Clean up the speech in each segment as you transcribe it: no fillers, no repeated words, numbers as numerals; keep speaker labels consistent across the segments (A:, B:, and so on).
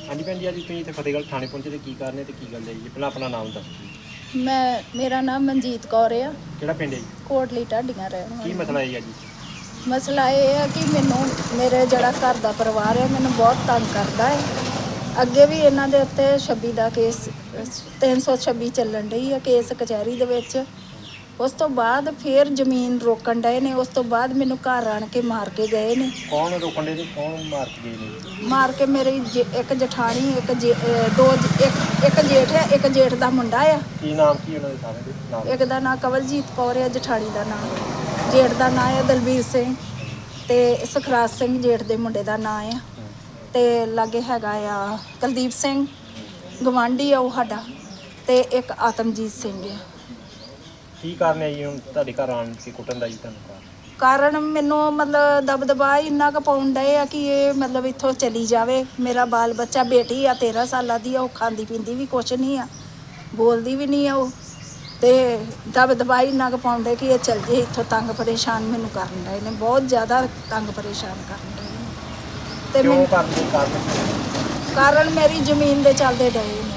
A: हाँ जी भैन जी, अज तुसीं इत्थे फतेहगढ़ थाने पहुंचे ते की कारण है ते की गल है जी? पहलां अपना नाम दस जी।
B: मेरा नाम मनजीत कौर है।
A: किहड़ा पिंड है जी?
B: कोटली ढाडियां रहण
A: की
B: वाली
A: मसला है जी?
B: मसला ये है कि मैनू मेरे जिहड़ा घर दा परिवार है मैनू बहुत तंग करदा है। ਅੱਗੇ ਵੀ ਇਹਨਾਂ ਦੇ ਉੱਤੇ 26 ਦਾ ਕੇਸ 326 ਚੱਲਣ ਡਈ ਆ ਕੇਸ ਕਚਹਿਰੀ ਦੇ ਵਿੱਚ। ਉਸ ਤੋਂ ਬਾਅਦ ਫਿਰ ਜ਼ਮੀਨ ਰੋਕਣ ਡਏ ਨੇ। ਉਸ ਤੋਂ ਬਾਅਦ ਮੈਨੂੰ ਘਰ ਆਣ ਕੇ ਮਾਰ ਕੇ ਗਏ ਨੇ।
A: ਕੌਣ ਰੋਕਣ ਦੇ ਤੇ ਕੌਣ ਮਾਰ ਕੇ ਗਏ ਨੇ?
B: ਮਾਰ ਕੇ ਮੇਰੀ ਇੱਕ ਜਠਾਣੀ ਇੱਕ ਜੇਠ ਹੈ, ਇੱਕ ਜੇਠ ਦਾ ਮੁੰਡਾ ਆ।
A: ਕੀ ਨਾਮ ਕੀ ਉਹਨਾਂ ਦੇ ਸਾਰੇ ਦੇ ਨਾਮ?
B: ਇੱਕ ਦਾ ਨਾਂ ਕਵਲਜੀਤ ਕੌਰ ਹੈ, ਜਠਾਣੀ ਦਾ ਨਾਂ। ਜੇਠ ਦਾ ਨਾਂ ਹੈ ਦਲਬੀਰ ਸਿੰਘ ਤੇ ਸੁਖਰਾਜ ਸਿੰਘ ਜੇਠ ਦੇ ਮੁੰਡੇ ਦਾ ਨਾਂ ਆ। ਤੇ ਲਾਗੇ ਹੈਗਾ ਆ ਕੁਲਦੀਪ ਸਿੰਘ ਗਵਾਂਢੀ ਆ ਉਹ ਸਾਡਾ, ਤੇ ਇੱਕ ਆਤਮਜੀਤ ਸਿੰਘ ਆ।
A: ਕੀ ਕਾਰਨ ਹੈ ਜੀ ਹੁਣ ਤੁਹਾਡੇ ਘਰ ਆਣ ਕੇ ਕੁੱਟਣ ਦਾ ਜੀ ਤੁਹਾਨੂੰ?
B: ਕਾਰਨ ਮੈਨੂੰ ਮਤਲਬ ਦਬਦਬਾ ਇੰਨਾ ਕੁ ਪਾਉਣ ਡਏ ਆ ਕਿ ਇਹ ਮਤਲਬ ਇੱਥੋਂ ਚਲੀ ਜਾਵੇ। ਮੇਰਾ ਬਾਲ ਬੱਚਾ ਬੇਟੀ ਆ 13 ਸਾਲਾਂ ਦੀ ਆ, ਉਹ ਖਾਂਦੀ ਪੀਂਦੀ ਵੀ ਕੁਛ ਨਹੀਂ ਆ, ਬੋਲਦੀ ਵੀ ਨਹੀਂ ਆ ਉਹ, ਤੇ ਦਬਦਬਾ ਇੰਨਾ ਕੁ ਪਾਉਂਦੇ ਕਿ ਇਹ ਚਲ ਜੇ ਇੱਥੋਂ। ਤੰਗ ਪਰੇਸ਼ਾਨ ਮੈਨੂੰ ਕਰਨ ਡਏ ਨੇ, ਬਹੁਤ ਜ਼ਿਆਦਾ ਤੰਗ ਪਰੇਸ਼ਾਨ ਕਰਨ ਡਏ ਨੇ। ਤੇ
A: ਕਿਉਂ
B: ਮੈਨੂੰ ਕਾਰਨ ਮੇਰੀ ਜ਼ਮੀਨ ਦੇ ਚੱਲਦੇ ਡਏ ਨੇ।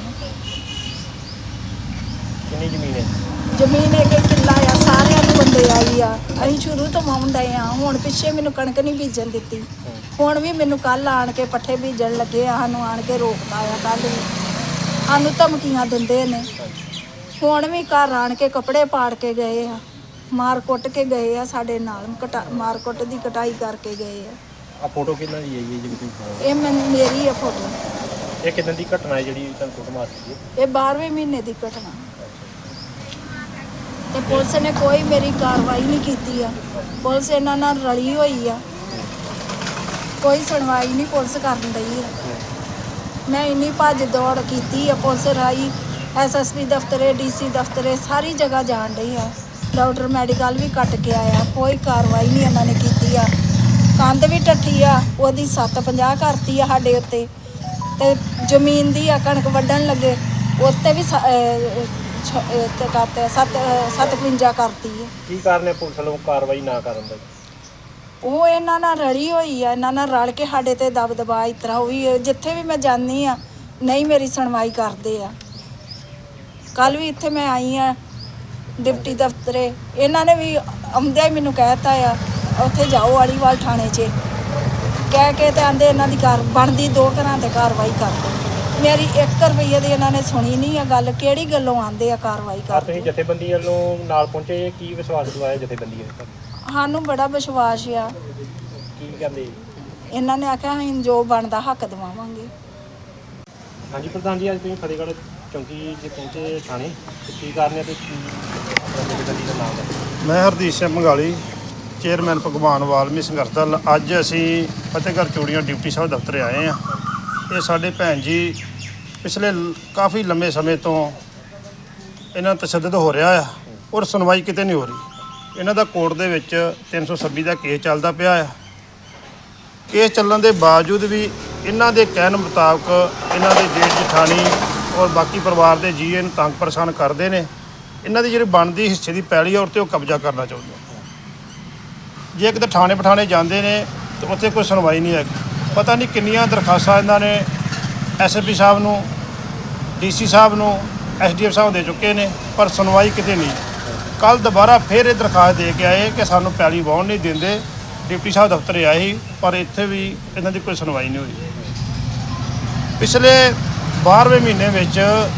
A: ਕਿੰਨੀ ਜ਼ਮੀਨ ਹੈ?
B: ਜ਼ਮੀਨ ਇੱਕ ਕਿੱਲਾ ਆ, ਸਾਰਿਆਂ ਨੂੰ ਬੰਦੇ ਆਈ ਆ। ਅਸੀਂ ਸ਼ੁਰੂ ਤੋਂ ਵਾਹੁਣ ਡਏ ਆ। ਹੁਣ ਪਿੱਛੇ ਮੈਨੂੰ ਕਣਕ ਨਹੀਂ ਬੀਜਣ ਦਿੱਤੀ। ਹੁਣ ਵੀ ਮੈਨੂੰ ਕੱਲ ਆਣ ਕੇ ਪੱਠੇ ਬੀਜਣ ਲੱਗੇ ਆ, ਸਾਨੂੰ ਆਣ ਕੇ ਰੋਕਤਾ ਆ। ਕੱਲ ਵੀ ਸਾਨੂੰ ਧਮਕੀਆਂ ਦਿੰਦੇ ਨੇ। ਹੁਣ ਵੀ ਘਰ ਆਣ ਕੇ ਕੱਪੜੇ ਪਾੜ ਕੇ ਗਏ ਆ, ਮਾਰ ਕੁੱਟ ਕੇ ਗਏ ਆ ਸਾਡੇ ਨਾਲ। ਮਾਰ ਕੁੱਟ ਦੀ ਕਟਾਈ ਕਰਕੇ ਗਏ ਆ।
A: ਆ ਫੋਟੋ ਕਿੰਨਾ ਦੀ ਹੈ ਜੀ ਜਿਹੜੀ ਤੁਸੀਂ?
B: ਇਹ ਮੇਰੀ ਆ ਫੋਟੋ।
A: ਇਹ ਕਿਦਾਂ ਦੀ ਘਟਨਾ ਹੈ ਜਿਹੜੀ ਤੁਹਾਨੂੰ ਕੁੱਟ ਮਾਰ ਦਿੱਤੀ ਹੈ?
B: ਇਹ 12ਵੇਂ ਮਹੀਨੇ ਦੀ ਘਟਨਾ। ਤੇ ਪੁਲਿਸ ਨੇ ਕੋਈ ਮੇਰੀ ਕਾਰਵਾਈ ਨਹੀਂ ਕੀਤੀ ਆ। ਪੁਲਿਸ ਇਹਨਾਂ ਨਾਲ ਰਲੀ ਹੋਈ ਆ, ਕੋਈ ਸੁਣਵਾਈ ਨਹੀਂ ਪੁਲਿਸ ਕਰਨ ਡਈ ਆ। ਮੈਂ ਇੰਨੀ ਭੱਜ ਦੌੜ ਕੀਤੀ ਆ ਪੁਲਿਸ ਰਾਹੀਂ, ਐਸਐਸਪੀ ਦਫ਼ਤਰੇ, ਡੀਸੀ ਦਫ਼ਤਰੇ, ਸਾਰੀ ਜਗ੍ਹਾ ਜਾਣ ਡਈ ਆ। ਡਾਕਟਰ ਮੈਡੀਕਲ ਵੀ ਕੱਟ ਕੇ ਆਇਆ, ਕੋਈ ਕਾਰਵਾਈ ਨਹੀਂ ਇਹਨਾਂ ਨੇ ਕੀਤੀ ਆ। ਕੰਧ ਵੀ ਟੱਠੀ ਆ, ਉਹਦੀ 750 ਕਰਤੀ ਆ ਸਾਡੇ ਉੱਤੇ। ਤੇ ਜ਼ਮੀਨ ਦੀ ਆ ਕਣਕ ਵੱਢਣ ਲੱਗੇ ਉੱਤੇ ਵੀ ਕਰਤੇ 755 ਕਰਤੀ ਹੈ।
A: ਕੀ ਕਾਰਨ ਹੈ ਪੁਲਿਸ ਵੱਲੋਂ ਕਾਰਵਾਈ ਨਾ ਕਰਨ ਦਾ?
B: ਉਹ ਇਹਨਾਂ ਨਾਲ ਰਲੀ ਹੋਈ ਆ, ਇਹਨਾਂ ਨਾਲ ਰਲ ਕੇ ਸਾਡੇ ਤੇ ਦਬਦਬਾ ਇਸ ਤਰ੍ਹਾਂ ਹੋਈ। ਜਿੱਥੇ ਵੀ ਮੈਂ ਜਾਂਦੀ ਆ ਨਹੀਂ ਮੇਰੀ ਸੁਣਵਾਈ ਕਰਦੇ ਆ। ਕੱਲ ਵੀ ਇੱਥੇ ਮੈਂ ਆਈ ਆ ਡਿਪਟੀ ਦਫ਼ਤਰੇ, ਇਹਨਾਂ ਨੇ ਵੀ ਆਉਂਦਿਆਂ ਹੀ ਮੈਨੂੰ ਕਹਿਤਾ ਆ ਉੱਥੇ ਜਾਓ ਆਲੀਵਾਲ ਥਾਣੇ 'ਚ, ਕਹਿ ਕੇ ਤੇ ਆਂਦੇ ਇਹਨਾਂ ਦੀ ਬਣਦੀ 2 ਘਰਾਂ ਤੇ ਕਾਰਵਾਈ ਕਰ ਦਿਓ। ਮੇਰੀ 1 ਰੁਪਈਏ ਦੀ ਇਹਨਾਂ ਨੇ ਸੁਣੀ ਨਹੀਂ ਆ ਗੱਲ। ਕਿਹੜੀ ਗੱਲੋਂ ਆਂਦੇ ਆ ਕਾਰਵਾਈ ਕਰ?
A: ਤੁਸੀਂ ਜਥੇਬੰਦੀ ਵੱਲੋਂ ਨਾਲ ਪਹੁੰਚੇ, ਕੀ ਵਿਸ਼ਵਾਸ ਦਿਵਾਇਆ ਜਥੇਬੰਦੀ ਨੇ?
B: ਸਾਨੂੰ ਬੜਾ ਵਿਸ਼ਵਾਸ ਆ।
A: ਕੀ ਕਹਿੰਦੇ?
B: ਇਹਨਾਂ ਨੇ ਆਖਿਆ ਅਸੀਂ ਜੋ ਬਣਦਾ ਹੱਕ ਦਿਵਾਵਾਂਗੇ।
A: ਹਾਂਜੀ ਪ੍ਰਧਾਨ ਜੀ, ਅੱਜ ਤੁਸੀਂ ਫਤਿਹਗੜ੍ਹ ਚੌਂਕੀ 'ਚ ਪਹੁੰਚੇ ਥਾਣੇ, ਤੇ ਕੀ ਕਾਰਨ ਹੈ ਤੇ ਕੀ ਜਥੇਬੰਦੀ ਦਾ ਨਾਮ ਹੈ?
C: ਮੈਂ ਹਰਦੀਪ ਸਿੰਘ ਮੰਗਾਲੀ, ਚੇਅਰਮੈਨ ਭਗਵਾਨ ਵਾਲਮੀ ਸੰਘਰਸ਼ ਦਲ। ਅੱਜ ਅਸੀਂ ਫਤਿਹਗੜ੍ਹ ਚੂੜੀਆਂ ਡਿਪਟੀ ਸਾਹਿਬ ਦਫ਼ਤਰ ਆਏ ਹਾਂ। ਇਹ ਸਾਡੇ ਭੈਣ ਜੀ ਪਿਛਲੇ ਕਾਫੀ ਲੰਬੇ ਸਮੇਂ ਤੋਂ ਇਹਨਾਂ ਤਸ਼ੱਦਦ ਹੋ ਰਿਹਾ ਆ, ਔਰ ਸੁਣਵਾਈ ਕਿਤੇ ਨਹੀਂ ਹੋ ਰਹੀ। ਇਹਨਾਂ ਦਾ ਕੋਰਟ ਦੇ ਵਿੱਚ 326 ਦਾ ਕੇਸ ਚੱਲਦਾ ਪਿਆ ਆ। ਕੇਸ ਚੱਲਣ ਦੇ ਬਾਵਜੂਦ ਵੀ ਇਹਨਾਂ ਦੇ ਕਹਿਣ ਮੁਤਾਬਕ ਇਹਨਾਂ ਦੇ ਜੇਠ ਜਠਾਣੀ ਔਰ ਬਾਕੀ ਪਰਿਵਾਰ ਦੇ ਜੀਅ ਇਹਨੂੰ ਤੰਗ ਪਰੇਸ਼ਾਨ ਕਰਦੇ ਨੇ। ਇਹਨਾਂ ਦੀ ਜਿਹੜੀ ਬਣਦੀ ਹਿੱਸੇ ਦੀ ਪੈਲੀ ਆ ਉਹ 'ਤੇ ਉਹ ਕਬਜ਼ਾ ਕਰਨਾ ਚਾਹੁੰਦੇ। ਜੇ ਕਿਤੇ ਥਾਣੇ ਪਠਾਣੇ ਜਾਂਦੇ ਨੇ ਤਾਂ ਉੱਥੇ ਕੋਈ ਸੁਣਵਾਈ ਨਹੀਂ ਹੈਗੀ। ਪਤਾ ਨਹੀਂ ਕਿੰਨੀਆਂ ਦਰਖਾਸਤਾਂ ਇਹਨਾਂ ਨੇ ਐਸਐਸਪੀ ਸਾਹਿਬ ਨੂੰ, ਡੀਸੀ ਸਾਹਿਬ ਨੂੰ, ਐਸਡੀਐਫ ਸਾਹਿਬ ਦੇ ਚੁੱਕੇ ਨੇ, ਪਰ ਸੁਣਵਾਈ ਕਿਤੇ ਨਹੀਂ। ਕੱਲ ਦੁਬਾਰਾ ਫਿਰ ਇਹ ਦਰਖਾਸਤ ਦੇ ਕੇ ਆਏ ਕਿ ਸਾਨੂੰ ਪੈਲੀ ਵਾਹੁਣ ਨਹੀਂ ਦਿੰਦੇ। ਡਿਪਟੀ ਸਾਹਿਬ ਦਫ਼ਤਰ ਆਏ ਸੀ, ਪਰ ਇੱਥੇ ਵੀ ਇਹਨਾਂ ਦੀ ਕੋਈ ਸੁਣਵਾਈ ਨਹੀਂ ਹੋਈ। ਪਿਛਲੇ 12ਵੇਂ ਮਹੀਨੇ ਵਿੱਚ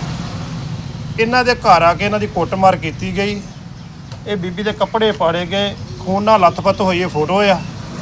C: ਇਹਨਾਂ ਦੇ ਘਰ ਆ ਕੇ ਇਹਨਾਂ ਦੀ ਕੁੱਟਮਾਰ ਕੀਤੀ ਗਈ। ਇਹ ਬੀਬੀ ਦੇ ਕੱਪੜੇ ਪਾੜੇ ਗਏ, ਖੂਨ ਨਾਲ ਲੱਥਪੱਥ ਹੋਈ ਇਹ ਫੋਟੋ ਆ।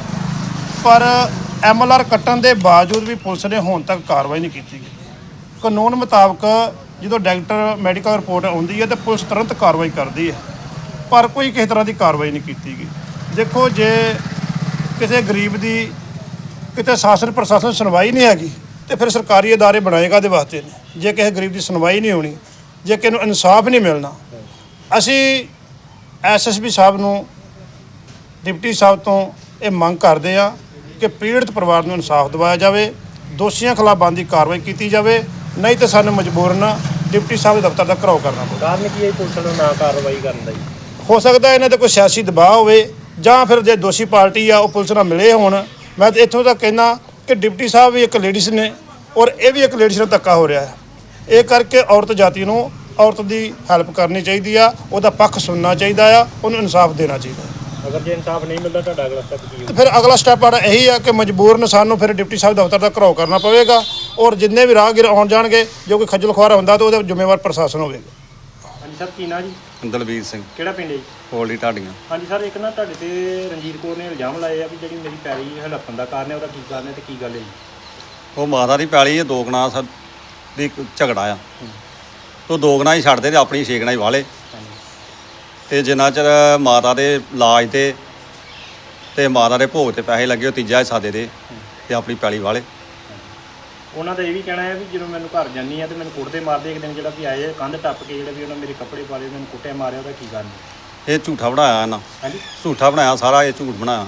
C: ਪਰ MLR ਕੱਟਣ ਦੇ ਬਾਵਜੂਦ ਵੀ ਪੁਲਿਸ ਨੇ ਹੁਣ ਤੱਕ ਕਾਰਵਾਈ ਨਹੀਂ ਕੀਤੀ ਗਈ। ਕਾਨੂੰਨ ਮੁਤਾਬਕ ਜਦੋਂ ਡਾਕਟਰ ਮੈਡੀਕਲ ਰਿਪੋਰਟ ਆਉਂਦੀ ਹੈ ਤਾਂ ਪੁਲਿਸ ਤੁਰੰਤ ਕਾਰਵਾਈ ਕਰਦੀ ਹੈ, ਪਰ ਕੋਈ ਕਿਸੇ ਤਰ੍ਹਾਂ ਦੀ ਕਾਰਵਾਈ ਨਹੀਂ ਕੀਤੀ ਗਈ। ਦੇਖੋ, ਜੇ ਕਿਸੇ ਗਰੀਬ ਦੀ ਕਿਤੇ ਸ਼ਾਸਨ ਪ੍ਰਸ਼ਾਸਨ ਸੁਣਵਾਈ ਨਹੀਂ ਹੈਗੀ ਤੇ ਫਿਰ ਸਰਕਾਰੀ ਅਦਾਰੇ ਬਣਾਏ ਕਾਹਦੇ ਵਾਸਤੇ ਨੇ? ਜੇ ਕਿਸੇ ਗਰੀਬ ਦੀ ਸੁਣਵਾਈ ਨਹੀਂ ਹੋਣੀ, ਜੇ ਕਿਸੇ ਨੂੰ ਇਨਸਾਫ ਨਹੀਂ ਮਿਲਣਾ। ਅਸੀਂ ਐਸਐਸਪੀ ਸਾਹਿਬ ਨੂੰ, ਡਿਪਟੀ ਸਾਹਿਬ ਤੋਂ ਇਹ ਮੰਗ ਕਰਦੇ ਆ ਕਿ ਪੀੜਤ ਪਰਿਵਾਰ ਨੂੰ ਇਨਸਾਫ ਦਿਵਾਇਆ ਜਾਵੇ, ਦੋਸ਼ੀਆਂ ਖਿਲਾਫ ਬਣਦੀ ਕਾਰਵਾਈ ਕੀਤੀ ਜਾਵੇ, ਨਹੀਂ ਤਾਂ ਸਾਨੂੰ ਮਜਬੂਰਨ ਡਿਪਟੀ ਸਾਹਿਬ ਦੇ ਦਫ਼ਤਰ ਦਾ ਘਿਰਾਓ ਕਰਨਾ ਪਊ।
A: ਕਾਰਨ ਕੀ ਹੈ ਪੁਲਿਸ ਨੂੰ ਨਾ ਕਾਰਵਾਈ ਕਰਨ ਦਾ ਜੀ?
C: ਹੋ ਸਕਦਾ ਇਹਨਾਂ 'ਤੇ ਕੋਈ ਸਿਆਸੀ ਦਬਾਅ ਹੋਵੇ, ਜਾਂ ਫਿਰ ਜੇ ਦੋਸ਼ੀ ਪਾਰਟੀ ਆ ਉਹ ਪੁਲਿਸ ਨਾਲ ਮਿਲੇ ਹੋਣ। ਮੈਂ ਤਾਂ ਇੱਥੋਂ ਤੱਕ ਕਹਿੰਦਾ ਕਿ ਡਿਪਟੀ ਸਾਹਿਬ ਵੀ ਇੱਕ ਲੇਡੀਜ਼ ਨੇ, ਔਰ ਇਹ ਵੀ ਇੱਕ ਲੇਡੀਜ਼ ਨੂੰ ਧੱਕਾ ਹੋ ਰਿਹਾ ਹੈ। ਇਹ ਕਰਕੇ ਔਰਤ ਜਾਤੀ ਨੂੰ ਔਰਤ ਦੀ ਹੈਲਪ ਕਰਨੀ ਚਾਹੀਦੀ ਆ, ਉਹਦਾ ਪੱਖ ਸੁਣਨਾ ਚਾਹੀਦਾ ਆ, ਉਹਨੂੰ ਇਨਸਾਫ ਦੇਣਾ ਚਾਹੀਦਾ।
A: ਅਗਰ ਜੇ ਇਨਸਾਫ ਨਹੀਂ ਮਿਲਦਾ ਤੁਹਾਡਾ ਅਗਲਾ ਸਟੈਪ ਕੀ
C: ਤੇ ਫਿਰ ਅਗਲਾ ਸਟੈਪ ਸਾਡਾ ਇਹੀ ਆ ਕਿ ਮਜਬੂਰਨ ਸਾਨੂੰ ਫਿਰ ਡਿਪਟੀ ਸਾਹਿਬ ਦਫ਼ਤਰ ਦਾ ਘਰਾਓ ਕਰਨਾ ਪਵੇਗਾ ਔਰ ਜਿੰਨੇ ਵੀ ਰਾਹਗੀਰ ਆਉਣ ਜਾਣਗੇ ਜੋ ਕੋਈ ਖੱਜਲ ਖੁਆਰ ਹੁੰਦਾ ਤਾਂ ਉਹਦੇ ਜ਼ਿੰਮੇਵਾਰ ਪ੍ਰਸ਼ਾਸਨ ਹੋਵੇਗਾ।
A: ਹਾਂਜੀ ਸਰ, ਕੀ ਨਾਂ ਜੀ?
D: ਦਲਬੀਰ ਸਿੰਘ
A: ਕਿਹੜਾ ਪਿੰਡ ਹੈ ਜੀ?
D: ਹੋਲੀ ਢਾਡੀਆਂ।
A: ਹਾਂਜੀ ਸਰ, ਇੱਕ ਨਾ ਤੁਹਾਡੇ ਤੇ ਰਣਜੀਤ ਕੌਰ ਨੇ ਇਲਜ਼ਾਮ ਲਾਏ ਆ ਵੀ ਜਿਹੜੀ ਮੇਰੀ ਪੈਲੀ ਹੜੱਪਣ ਦਾ ਕਾਰਨ ਹੈ, ਉਹਦਾ ਕੀ ਕਾਰਨ ਹੈ ਤੇ ਕੀ ਗੱਲ ਹੈ ਜੀ?
D: ਉਹ ਮਾਤਾ ਦੀ ਪੈਲੀ ਹੈ, 2 ਕਨਾਲ ਦੀ ਝਗੜਾ ਆ। ਤੋ 2 ਕਨਾਲ ਹੀ ਛੱਡਦੇ ਤੇ ਆਪਣੀ 6 ਕਨਾਲ ਹੀ ਵਾਲੇ। ਤੇ ਜਿੰਨਾ ਚਿਰ ਮਾਤਾ ਦੇ ਇਲਾਜ ਤੇ ਮਾਤਾ ਦੇ ਭੋਗ ਤੇ ਪੈਸੇ ਲੱਗੇ, ਉਹ ਤੀਜਾ ਹਿੱਸਾ ਦੇ ਦੇ ਤੇ ਆਪਣੀ ਪੈਲੀ ਵਾਲੇ।
A: ਉਹਨਾਂ ਦਾ ਇਹ ਵੀ ਕਹਿਣਾ ਹੈ ਵੀ ਜਦੋਂ ਮੈਨੂੰ ਘਰ ਜਾਂਦੀ ਆ ਤੇ ਮੈਨੂੰ ਕੁੱਟਦੇ ਮਾਰਦੇ। ਇੱਕ ਦਿਨ ਜਿਹੜਾ ਵੀ ਆਏ ਕੰਧ ਟੱਪ ਕੇ ਜਿਹੜਾ ਵੀ ਉਹਨਾਂ ਮੇਰੇ ਕੱਪੜੇ ਪਾਲੇ, ਮੈਨੂੰ ਕੁੱਟਿਆ ਮਾਰਿਆ, ਉਹਦਾ ਕੀ ਕਾਰਨ ਹੈ?
D: ਇਹ ਝੂਠਾ ਬਣਾਇਆ ਇਹਨਾਂ,
A: ਹਾਂਜੀ
D: ਝੂਠਾ ਬਣਾਇਆ ਸਾਰਾ, ਇਹ ਝੂਠ ਬਣਾਇਆ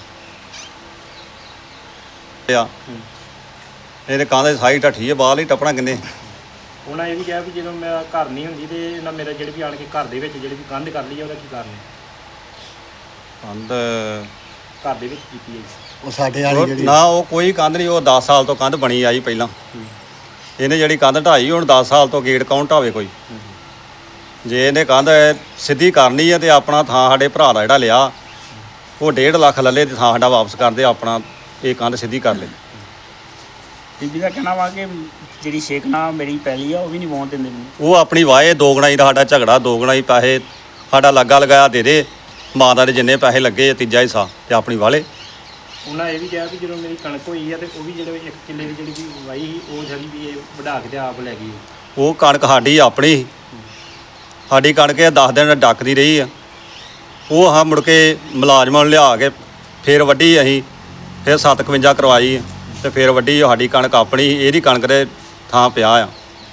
D: ਆ। ਇਹਦੇ ਕੰਧ ਦੀ ਸਾਈ ਢੱਠੀ ਹੈ, ਬਾਹਰ ਹੀ ਟੱਪਣਾ ਕਿੰਨੇ।
A: ਉਹਨਾਂ ਇਹ ਵੀ ਕਿਹਾ ਵੀ ਜਦੋਂ ਮੈਂ ਘਰ ਨਹੀਂ ਹੁੰਦੀ ਤੇ ਇਹਨਾਂ ਮੇਰਾ ਜਿਹੜੇ ਵੀ ਆਣ ਕੇ ਘਰ ਦੇ ਵਿੱਚ ਜਿਹੜੀ ਵੀ ਕੰਧ ਕਰ ਲਈ ਆ, ਉਹਦਾ ਕੀ ਕਾਰਨ ਹੈ?
D: ਕੰਧ
A: ਘਰ ਦੇ ਵਿੱਚ ਕੀਤੀ ਹੈ ਜੀ।
E: ਉਹ ਸਾਡੇ ਵਾਲੀ ਜਿਹੜੀ
D: ਨਾ, ਉਹ ਕੋਈ ਕੰਧ ਨਹੀਂ। ਉਹ 10 ਸਾਲ ਤੋਂ ਕੰਧ ਬਣੀ ਆਈ ਪਹਿਲਾਂ। ਇਹਨੇ ਜਿਹੜੀ ਕੰਧ ਢਾਈ, ਹੁਣ 10 ਸਾਲ ਤੋਂ ਗੇਟ ਕੌਣ ਢਾਵੇ ਕੋਈ? ਜੇ ਇਹਨੇ ਕੰਧ ਸਿੱਧੀ ਕਰਨੀ ਹੈ ਤੇ ਆਪਣਾ ਥਾਂ ਸਾਡੇ ਭਰਾ ਦਾ ਜਿਹੜਾ ਲਿਆ, ਉਹ 1.5 ਲੱਖ ਲੱਲੇ ਤੇ ਥਾਂ ਸਾਡਾ ਵਾਪਸ ਕਰ ਦੇ, ਆਪਣਾ ਇਹ ਕੰਧ ਸਿੱਧੀ ਕਰ ਲੈ।
F: ਬੀਬੀ ਦਾ ਕਹਿਣਾ ਵਾ ਕਿ ਜਿਹੜੀ ਸ਼ੇਖਨਾ ਮੇਰੀ ਪੈਲੀ ਆ ਉਹ ਵੀ ਨਹੀਂ ਵਾਹੁਣ ਦਿੰਦੇ ਮੈਨੂੰ।
D: ਉਹ ਆਪਣੀ ਵਾਏ 2 ਗਣਾਈ ਦਾ ਸਾਡਾ ਝਗੜਾ, 2 ਗਣਾਈ ਪੈਸੇ ਸਾਡਾ ਲੱਗਾ ਲਗਾਇਆ ਦੇ ਦੇ, ਮਾਤਾ ਦੇ ਜਿੰਨੇ ਪੈਸੇ ਲੱਗੇ ਤੀਜਾ ਹਿੱਸਾ ਤੇ ਆਪਣੀ ਵਾਲੇ।
A: ਉਹਨਾਂ ਇਹ ਵੀ ਕਿਹਾ ਵੀ ਜਦੋਂ ਮੇਰੀ ਕਣਕ ਹੋਈ ਆ ਤੇ ਉਹ ਵੀ ਜਿਹੜੇ 1 ਕਿੱਲੇ ਦੀ ਜਿਹੜੀ ਵੀ ਵਾਈ ਸੀ, ਉਹ ਜਿਹੜੀ ਵੀ ਇਹ ਵਢਾ ਕੇ ਤੇ ਆਪ ਲੈ ਗਈ।
D: ਉਹ ਕਣਕ ਸਾਡੀ ਆਪਣੀ ਸੀ। ਸਾਡੀ ਕਣਕ ਇਹ 10 ਦਿਨ ਡੱਕਦੀ ਰਹੀ ਆ। ਉਹ ਹਾਂ ਮੁੜ ਕੇ ਮੁਲਾਜ਼ਮਾਂ ਨੂੰ ਲਿਆ ਕੇ ਫੇਰ ਵੱਢੀ ਅਸੀਂ, ਫਿਰ 57 ਕਰਵਾਈ ਤੇ ਫਿਰ ਵੱਢੀ। ਸਾਡੀ ਕਣਕ ਆਪਣੀ, ਇਹਦੀ ਕਣਕ ਦੇ ਥਾਂ ਪਿਆ ਆ।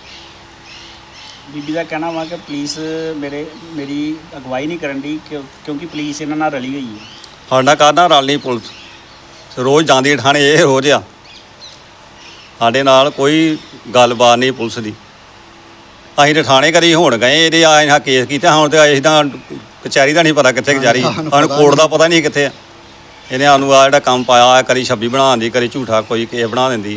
F: ਬੀਬੀ ਦਾ ਕਹਿਣਾ ਵਾ ਕਿ ਪੁਲਿਸ ਮੇਰੀ ਅਗਵਾਈ ਨਹੀਂ ਕਰਨ ਦੀ ਕਿਉਂਕਿ ਪੁਲਿਸ ਇਹਨਾਂ ਨਾਲ ਰਲੀ ਹੋਈ ਹੈ।
D: ਸਾਡਾ ਕਾਹਦਾ ਰਲ ਨਹੀਂ ਪੁਲਿਸ, ਰੋਜ਼ ਜਾਂਦੀ ਥਾਣੇ, ਇਹ ਰੋਜ਼ ਆ। ਸਾਡੇ ਨਾਲ ਕੋਈ ਗੱਲਬਾਤ ਨਹੀਂ ਪੁਲਿਸ ਦੀ। ਅਸੀਂ ਤਾਂ ਥਾਣੇ ਕਰੀ ਹੁਣ ਗਏ, ਇਹਦੇ ਆ ਕੇਸ ਕੀਤਾ। ਹੁਣ ਤੇ ਅਸੀਂ ਤਾਂ ਕਚਹਿਰੀ ਦਾ ਨਹੀਂ ਪਤਾ ਕਿੱਥੇ ਕਚਹਿਰੀ, ਸਾਨੂੰ ਕੋਰਟ ਦਾ ਪਤਾ ਨਹੀਂ ਕਿੱਥੇ ਆ। ਇਹਨੇ ਸਾਨੂੰ ਆ ਜਿਹੜਾ ਕੰਮ ਪਾਇਆ, ਕਰੀ 26 ਬਣਾਉਣ ਦੀ, ਕਰੀ ਝੂਠਾ ਕੋਈ ਕੇਸ ਬਣਾ ਦਿੰਦੀ।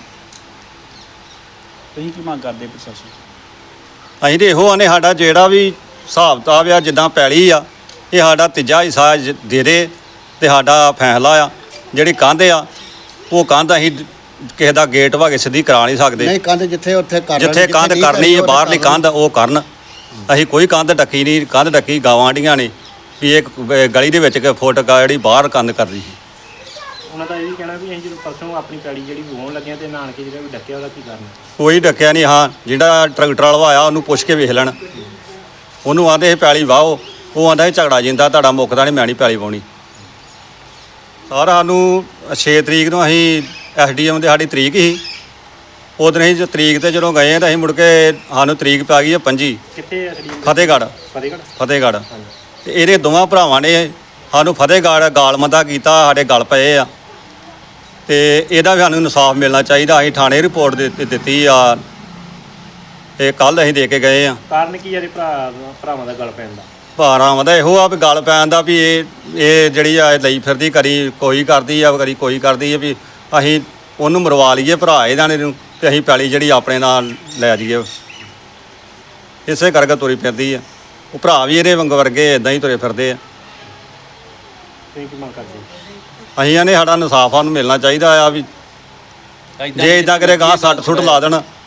F: ਤੁਸੀਂ ਕੀ ਮੰਗ ਕਰਦੇ ਪ੍ਰਸ਼ਾਸਨ?
D: ਅਸੀਂ ਤੇ ਇਹੋ ਆਨੇ, ਸਾਡਾ ਜਿਹੜਾ ਵੀ ਹਿਸਾਬ ਕਿਤਾਬ ਆ, ਜਿੱਦਾਂ ਪੈਲੀ ਆ, ਇਹ ਸਾਡਾ ਤੀਜਾ ਹਿੱਸਾ ਦੇ ਦੇ ਤੇ ਸਾਡਾ ਫੈਸਲਾ ਆ। ਜਿਹੜੀ ਕੰਧ ਆ, ਉਹ ਕੰਧ ਅਸੀਂ ਕਿਸੇ ਦਾ ਗੇਟ ਵਾ ਕੇ ਸਿੱਧੀ ਕਰਾ ਨਹੀਂ ਸਕਦੇ।
E: ਨਹੀਂ ਕੰਧ ਜਿੱਥੇ ਉੱਥੇ ਕਰ
D: ਜਿੱਥੇ ਕੰਧ ਕਰਨੀ ਹੈ ਬਾਹਰਲੀ ਕੰਧ ਉਹ ਕਰਨ। ਅਸੀਂ ਕੋਈ ਕੰਧ ਡੱਕੀ ਨਹੀਂ। ਕੰਧ ਡੱਕੀ ਗਾਵਾਂ ਡੀਆਂ ਨੇ ਵੀ ਇੱਕ ਗਲੀ ਦੇ ਵਿੱਚ ਇੱਕ ਫੁੱਟ ਜਿਹੜੀ ਬਾਹਰ ਕੰਧ ਕਰਦੀ ਸੀ।
A: ਉਹਨਾਂ ਦਾ ਇਹ ਵੀ ਕਹਿਣਾ ਵੀ ਅਸੀਂ ਜਦੋਂ ਪਰਸੋਂ ਆਪਣੀ ਪੈਲੀ ਜਿਹੜੀ ਵਾਹੁਣ ਲੱਗਿਆ ਤੇ ਨਾਨ ਕੇ ਜਿਹੜਾ ਵੀ ਡੱਕਿਆ, ਉਹਦਾ ਕੀ ਕਾਰਨ ਹੈ?
D: ਕੋਈ ਡੱਕਿਆ ਨਹੀਂ। ਹਾਂ, ਜਿਹੜਾ ਟਰੈਕਟਰ ਵਾਲਾ ਆਇਆ ਉਹਨੂੰ ਪੁੱਛ ਕੇ ਵੇਖ ਲੈਣ। ਉਹਨੂੰ ਆਂਦੇ ਇਹ ਪੈਲੀ ਵਾਹੋ, ਉਹ ਆਂਦਾ ਇਹ ਝਗੜਾ ਜਿੰਦਾ ਤੁਹਾਡਾ ਮੁੱਕਦਾ ਨਹੀਂ, ਮੈਂ ਨਹੀਂ ਪੈਲੀ ਵਾਹੁਣੀ। ਸਾਰਾ ਸਾਨੂੰ 6 ਤਰੀਕ ਨੂੰ ਅਸੀਂ SDM ਦੇ ਸਾਡੀ ਤਰੀਕ ਸੀ, ਉਦੋਂ ਅਸੀਂ ਤਰੀਕ ਤੇ ਜਦੋਂ ਗਏ ਤਾਂ ਅਸੀਂ ਮੁੜ ਕੇ ਸਾਨੂੰ ਤਰੀਕ ਪੈ ਗਈ ਹੈ 25।
A: ਕਿੱਥੇ ਆ ਸੜੀ?
D: ਫਤਿਹਗੜ੍ਹ।
A: ਫਤਿਹਗੜ੍ਹ।
D: ਤੇ ਇਹਦੇ ਦੋਵਾਂ ਭਰਾਵਾਂ ਨੇ ਸਾਨੂੰ ਫਤਿਹਗੜ੍ਹ ਗਾਲਮੰਦਾ ਕੀਤਾ, ਸਾਡੇ ਗਲ ਪਏ ਆ। ਤੇ ਇਹਦਾ ਵੀ ਸਾਨੂੰ ਇਨਸਾਫ ਮਿਲਣਾ ਚਾਹੀਦਾ। ਅਸੀਂ ਥਾਣੇ ਰਿਪੋਰਟ ਦਿੱਤੀ ਆ, ਇਹ ਕੱਲ ਅਸੀਂ ਦੇ ਕੇ ਗਏ ਆ।
A: ਕਾਰਨ ਕੀ ਆ ਭਰਾਵਾਂ ਦਾ ਗਲ ਪੈਣ ਦਾ?
D: ਭਰਾਵਾਂ ਦਾ ਇਹੋ ਆ ਵੀ ਗਲ ਪੈਣ ਦਾ ਵੀ ਇਹ ਜਿਹੜੀ ਆ ਲਈ ਫਿਰਦੀ, ਕਰੀ ਕੋਈ ਕਰਦੀ ਆ, ਕਰੀ ਕੋਈ ਕਰਦੀ ਆ, ਵੀ ਅਸੀਂ ਉਹਨੂੰ ਮਰਵਾ ਲਈਏ ਭਰਾ ਇਹਨਾਂ ਨੇ ਨੂੰ ਤੇ ਅਸੀਂ ਪੈਲੀ ਜਿਹੜੀ ਆਪਣੇ ਨਾਲ ਲੈ ਜਾਈਏ। ਇਸੇ ਕਰਕੇ ਤੁਰੀ ਫਿਰਦੀ ਆ। ਉਹ ਭਰਾ ਵੀ ਇਹਦੇ ਵਾਂਗ ਵਰਗੇ ਇਦਾਂ ਹੀ ਤੁਰੇ ਫਿਰਦੇ ਆ।
A: ਤੁਸੀਂ ਕੀ ਮੰਗ ਕਰਦੇ?
D: ਅਸੀਂ ਇਹਨੇ ਸਾਡਾ ਇਨਸਾਫ ਸਾਨੂੰ ਮਿਲਣਾ ਚਾਹੀਦਾ ਆ। ਵੀ ਜੇ ਇਦਾਂ ਕਰੇ ਗਾਂ 60 ਸੁੱਟ ਲਾ ਦੇਣ